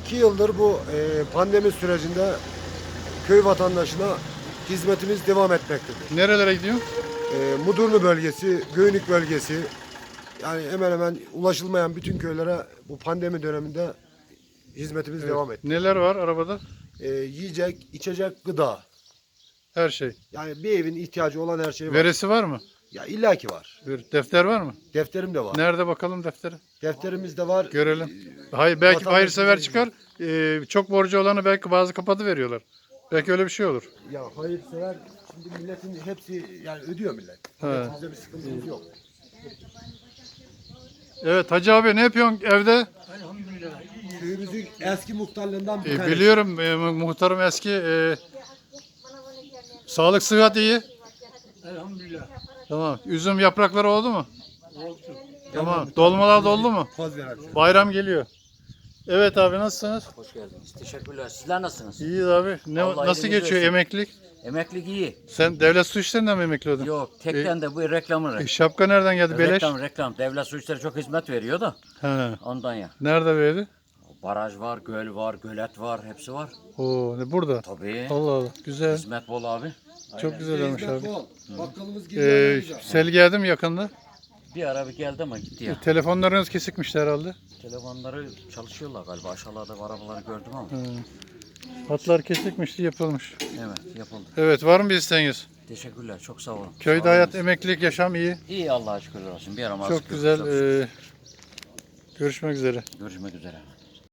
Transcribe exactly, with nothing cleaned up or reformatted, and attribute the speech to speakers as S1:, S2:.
S1: iki yıldır bu e, pandemi sürecinde köy vatandaşına hizmetimiz devam etmektedir.
S2: Nerelere gidiyor?
S1: E, Mudurnu bölgesi, Göynük bölgesi, yani hemen hemen ulaşılmayan bütün köylere bu pandemi döneminde hizmetimiz
S2: Evet.
S1: devam etti.
S2: Neler var arabada?
S1: E, yiyecek, içecek, gıda.
S2: Her şey.
S1: Yani bir evin ihtiyacı olan her şey var.
S2: Veresi var mı?
S1: Ya illaki var.
S2: Bir defter var mı?
S1: Defterim de var.
S2: Nerede bakalım defteri?
S1: Defterimiz de var.
S2: Görelim. Hayır, belki
S1: Vatandaş
S2: hayırsever
S1: bize-
S2: çıkar. Ee, çok borcu olanı belki bazı kapatı veriyorlar. Belki öyle bir şey olur.
S1: Ya hayırsever, şimdi milletin hepsi yani ödüyor millet.
S2: He.
S1: Bizde bir sıkıntımız yok.
S2: Evet Hacı abi ne yapıyorsun evde?
S1: Köyümüzün eski muhtarlığından bir
S2: Ee,
S1: tanesi.
S2: biliyorum e, mu- muhtarım eski. e, sağlık sıhhat iyi.
S3: Elhamdülillah.
S2: Tamam. Üzüm yaprakları oldu mu?
S3: Oldu.
S2: Tamam. Dolmalar doldu mu?
S1: Poz ver abi.
S2: Bayram geliyor. Evet abi nasılsınız?
S4: Hoş geldiniz. Teşekkürler. Sizler nasılsınız?
S2: İyiyiz abi. Ne,
S4: Allah
S2: nasıl
S4: iyiliğinizi
S2: geçiyor
S4: versin.
S2: emeklilik?
S4: Emeklilik iyi.
S2: Sen devlet su işlerinden mi emekli oldun?
S4: Yok, tekten de bu reklamı.
S2: E, şapka nereden geldi? Beleş.
S4: Reklam, reklam. Devlet su işleri çok hizmet veriyor da
S2: He.
S4: ondan ya.
S2: Nerede verdi?
S4: Baraj var, göl var, gölet var, hepsi var.
S2: Oo, ne burada?
S4: Tabii.
S2: Allah Allah. Güzel.
S4: Hizmet bol abi.
S2: Çok güzel olmuş abi.
S1: Bol. Bakkalımız
S2: Ee,
S1: geliyor.
S2: sel geldi mi yakında?
S4: Bir ara bir geldi ama gitti ya.
S2: Telefonlarınız kesikmişti herhalde.
S4: Telefonları çalışıyorlar galiba. Aşağılarda bu arabaları gördüm ama.
S2: Hı. Hatlar kesikmişti yapılmış.
S4: Evet, yapıldı.
S2: Evet var mı bir isteğiniz?
S4: Teşekkürler. Çok sağ olun.
S2: Köyde
S4: Sağ
S2: hayat,
S4: olun.
S2: emeklilik, yaşam iyi.
S4: İyi Allah'a şükürler olsun. Bir ara
S2: Çok güzel. Ee, görüşmek üzere.
S4: Görüşmek üzere.